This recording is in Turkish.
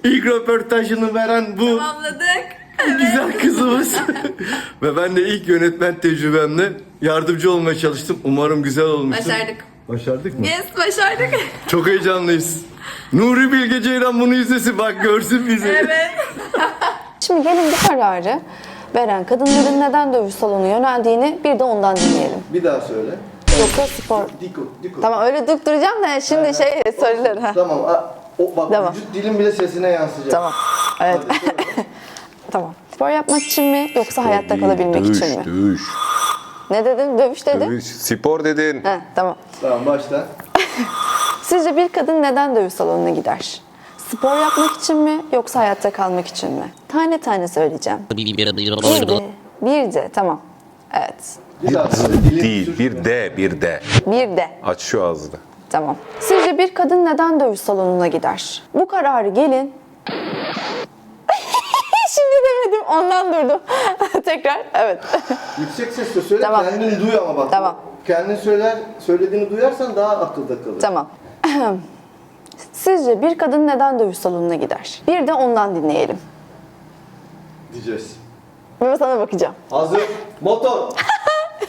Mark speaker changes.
Speaker 1: İlk röportajını veren bu
Speaker 2: Tamamladık.
Speaker 1: güzel kızımız. Ve ben de ilk yönetmen tecrübemle yardımcı olmaya çalıştım. Umarım güzel olmuştur.
Speaker 2: Başardık.
Speaker 1: Başardık mı?
Speaker 2: Yes, başardık.
Speaker 1: Çok heyecanlıyız. Nuri Bilge Ceylan bunu izlesin, bak görsün bizi.
Speaker 2: Evet.
Speaker 3: Şimdi gelin bu kararı veren kadınların neden dövüş salonu yöneldiğini bir de ondan dinleyelim.
Speaker 1: Bir daha söyle.
Speaker 3: Yoksa spor.
Speaker 1: Diko.
Speaker 3: Tamam öyle duracağım da şimdi söyler. Ha.
Speaker 1: Tamam. Bak
Speaker 3: Tamam.
Speaker 1: vücut dilin bile sesine yansıyacak.
Speaker 3: Tamam. Evet. Tamam. Spor yapmak için mi yoksa hayatta kalabilmek için mi?
Speaker 4: Dövüş.
Speaker 3: Ne dedim? Dövüş dedim.
Speaker 4: Dövüş. Spor dedin.
Speaker 3: He, tamam.
Speaker 1: Tamam başla.
Speaker 3: Sizce bir kadın neden dövüş salonuna gider? Spor yapmak için mi yoksa hayatta kalmak için mi? Tane tane söyleyeceğim. Bir de tamam. Evet.
Speaker 1: Bir daha söyle. Dilin
Speaker 4: Değil. Bir de.
Speaker 3: Bir de.
Speaker 4: Aç şu ağzını.
Speaker 3: Tamam. Sizce bir kadın neden dövüş salonuna gider? Bu kararı gelin. Şimdi demedim, ondan durdum. Tekrar, evet.
Speaker 1: Yüksek sesle söyle,
Speaker 3: Tamam.
Speaker 1: kendini duy ama bak.
Speaker 3: Tamam.
Speaker 1: Kendin söylediğini duyarsan daha akılda kalır.
Speaker 3: Tamam. Sizce bir kadın neden dövüş salonuna gider? Bir de ondan dinleyelim.
Speaker 1: Diyeceğiz.
Speaker 3: Ben sana bakacağım.
Speaker 1: Hazır. Motor.